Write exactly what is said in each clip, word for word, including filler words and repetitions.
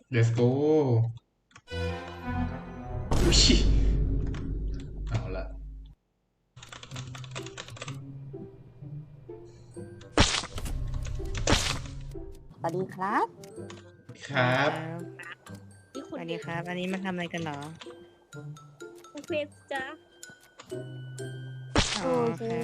let's go อุ้ยเอาละสวัสดีครับครับสวัสดีครับ อันนี้มาทำอะไรกันเหรอเควสจ้าอ๋อครับ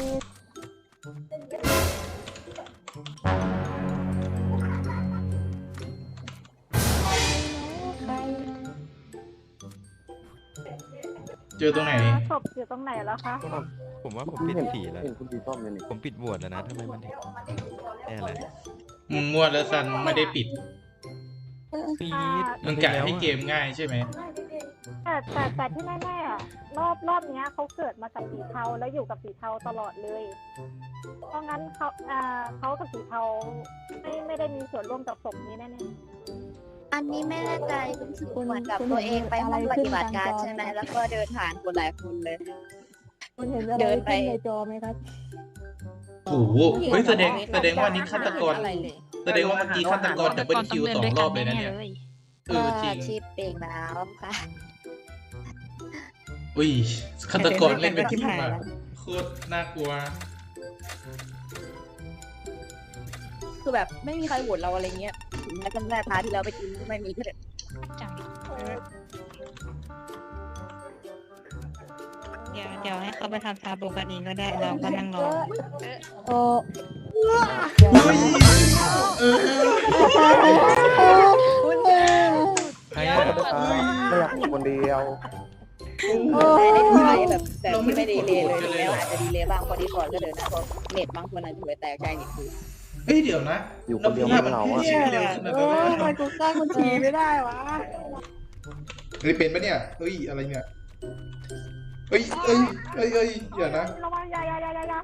เจอตรงไหนศพอยู่ตรงไหนแล้วคะผมผมว่าผมปิดผีแล้วเห็นคุณดีส้มเลยนี่ผมปิดโหวตแล้วนะทำไมมันถึงแน่อะไรมึงมั่วแล้วซันไม่ได้ปิดปีดมึงกะให้เกมง่ายใช่ไหมแต่แต่แต่ที่แน่ๆอะรอบรอบเนี้ยเขาเกิดมากับสีเทาแล้วอยู่กับสีเทาตลอดเลย เพราะงั้นเขาอ่าเขากับสีเทาไม่ไม่ได้มีส่วนร่วมกับศพนี้แน่อันนี้ไม่แน่ใจรู้สึกเหมือนกับตัวเองไปห้องปฏิบัติการใช่ไหมแล้วก็เดินผ่านคนหลายคนเลยคุณเห็นอะไรเดินไปขึ้นในจอไหมครับโอ้โหเฮ้ยแสดงแสดงว่านี่ฆาตกร แสดงว่าเมื่อกี้ฆาตกรดับเบิลคิวสองรอบเลยนะเนี่ยเออจริงชีพเองแล้วค่ะอุ้ยฆาตกรเล่นเป็นทีมอะโคตรน่ากลัวคือแบบไม่มีใครโหวตเราอะไรเงี้ยถึงแม้จำได้พาร์ทที่เราไปกินก็ไม่มีก็เลยเดี๋ยวเดี๋ยวให้เขาไปทำชาบูกันเองก็ได้เราก็นั่งรอเออใครอ่ะไม่อยากอยู่คนเดียวได้ได้ทายแบบแต่ที่ไม่ดีเลยเลยแล้วอาจจะดีเลยบ้างพอดีก่อนก็เดินนะเพราะเน็ตบางคนอาจจะหัวแตกใจนิดนึงเฮ้ยเดี๋ยวนะอยู่คนเดียวไม่เหงาอะชื่อเร็วขนาดเอนั้นอเลยทำไมกูสร้างคนทีไม่ได้วะเฮ้ยเป็นปะเนี่ยเฮ้ยอะไรเนี่ยเฮ้ยเฮ้ยเฮ้ยเฮ้ยเดี๋ยวนะๆระวังอยาอยาอยาอยาอยา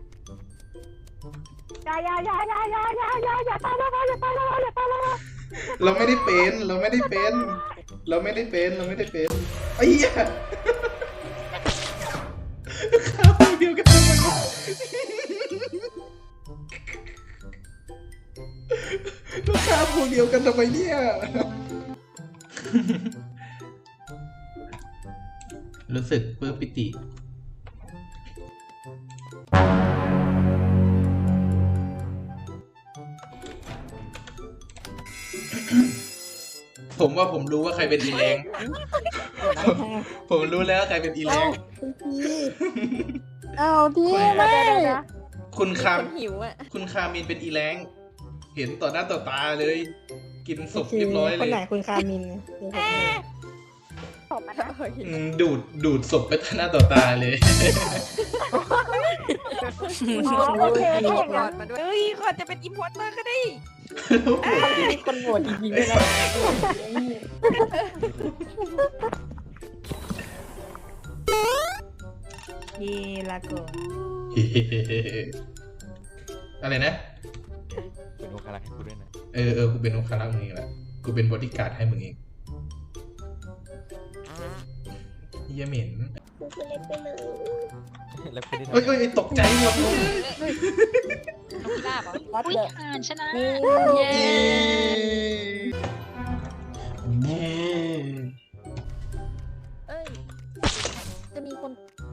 อยาอยาอยาอยาอยาอยาอย่าตายแล้วอย่าตายแล้วอย่าตายแล้วเราไม่ได้เป็นเราไม่ได้เป็น เราไม่ได้เป็นเราไม่ได้เป็นไอ้เหี้ยข้าวเดียวกันทำไมลูกค้าพวกเดียวกันทำไมเนี่ยรู้สึกปลื้มปิติ ผมว่าผมรู้ว่าใครเป็นอีแรง ผมรู้แล้วใครเป็นอีแรงคุณทีเอาทีไม่ไม่เดี๋ยวนะคุณคามหิวอ่ะคุณคามินเป็นอีแรง เห็นต่อหน้าต่อตาเลย กินศพเรียบร้อยคเลนยไหนคุณคามินศพมันนะอืมดูดดูดศพไปต่อหน้าต่อตาเลยอ๋อโอเคถ้าอย่างนั้นเฮ้ยขอจะเป็นอิมพอร์เตอร์ก็ได้มีคนโหวตจริงๆด้วยนะเย่ลาโกอะไรนะเป็นโอคารักให้กูด้วยนะเออเออกูเป็นองคารักษ์มึงเองแหละ กูเป็นบอดี้การ์ดให้มึงเองเหี้ยเหม็นแล้วคุณได้เอ้ยเอ้ยเอ้ยตกใจหมดวัดอุ้ยเลยอ่านชนะนี่เย้เย้เอ้ยจะมีคน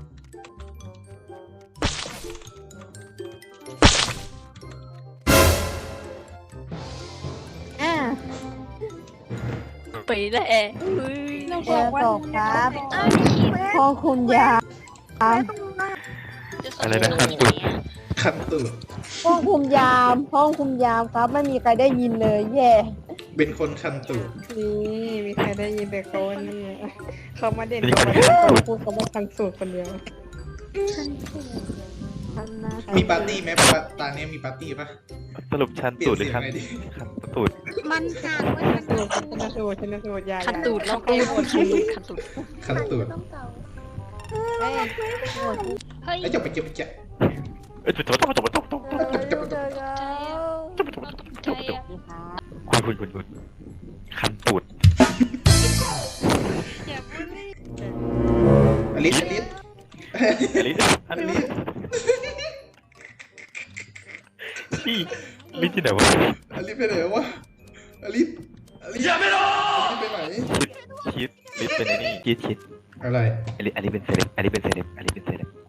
อ่ะไปแล้วเฮ้ยแกตกครับห้องคุณยาอะไรนะคันตุดคันตูดห้องคุมยาม ห้องคุมยามครับ ไม่มีใครได้ยินเลย แย่เป็นคนคันตูดนี่มีใครได้ยินแต่เขานี่เขามาเด่นเขามาพูดเขามาทันสูตรคนเดียวทันนะมีปาร์ตี้ไหมปาตาเนี้ยมีปาร์ตี้ปะสรุปชันเปลี่ยตูนดหรืเสีอย คังนไงดิคันตูดมันห่างไว้มันสูตรชนะสูตรชนะสูตรยาคันตูดแล้วก็โหดคันตูดคันตูดเฮ้ยเฮ้ยไอ้เจ้าไปเก็บไปเก็บเอ้ยจบจบจบจบจบจบเจอเจอเจอใจอะคุณคุณคุณคุณคันตูดอลิสอลิสอลิสอลิสพี่ลิสที่ไหนวะอลิสไปไหนวะอลิสอลิสอย่าไม่รอชิดลิสเป็นไอ้นี่ชิดชิดอะไรอันนี้อันนี้เป็นเซเลบอันนี้เป็นเซเลบอันนี้เป็นเซเลบ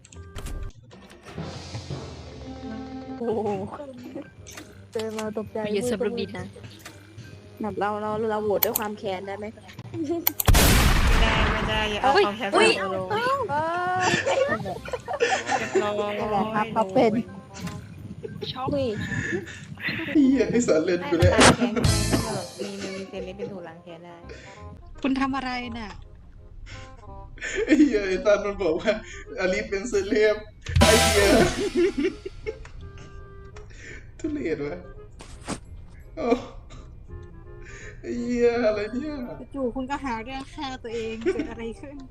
โอ้โหเจอมาตกใจไปยืนเซิร์ฟรูบินนะแบบเราเราเราโหวตด้วยความแค้นได้ไหมไม่ได้ไม่ได้อย่าเอาความแค้นอุ้ยมาลงเออเรียบร้อยนั่นแหละครับเขาเป็นช็อกอุ้ยเฮียไอ้สารเล่นกูเลยล้างแค้นมีมีเซเลบเป็นถูกล้างแค้นได้คุณทำอะไรน่ะไอ้เฮียไอ้ตานมันบอกว่าอลิสเป็นเซเลบไอ้เฮียทุเรศวะโอ้ไอ้เฮียอะไรเนี่ยจู่ๆคุณก็หาเรื่องฆ่าตัวเองเกิดอะไรขึ้น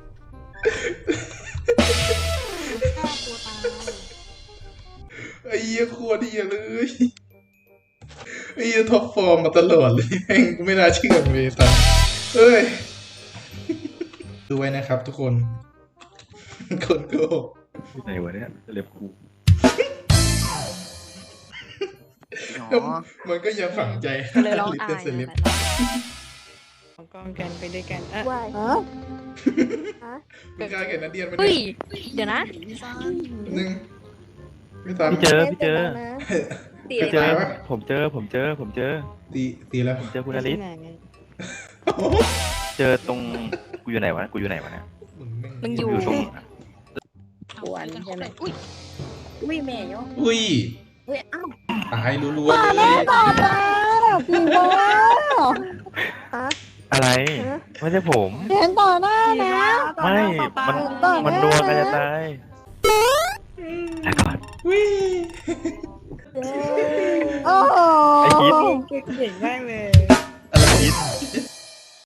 ฆ่าตัวตายไอ้เฮียโคตรเฮียเลยไอ้เฮียท็อปฟอร์มมาตลอดเลยแม่งกูไม่น่าเชื่อเลยตาเอ้ยดูไว้นะครับทุกคนคนโกหกไหนวะเนี่ยเซเลบกูอ๋อมันก็ยังฝังใจก็เลยร้องลิสอาเป็นยเซเลบของกองกันไปด้วยกันเออว่าฮะไม่กล้าเห็นนัดเดียนไปเฮ้ยเนี่ยเดี๋ยวนะหนึ่งไม่ทันพี่เจอพี่เจอตีพี่เลเจยอนะผมเจอผมเจอผมเจอตีตีแล้วผมเจอคุณอลิสที่ไหนเจอตรงกูอยู่ไหนวะกูอยู่ไหนวะเนี่ยมึงอยู่อยู่ตรงควรใช่ไหมอุ้ยอุ้ยแม่ยกอุ้ยอุ้ยอ้าวตายรัวๆเลยต่อแล้วพี่โบอะไรไม่ใช่ผมเห็นต่อหน้านะไม่ มัน มันนัวกันจะตายแล้วก่อนอุ้ยโอ้โหไอ้คิดเก่งมากเลย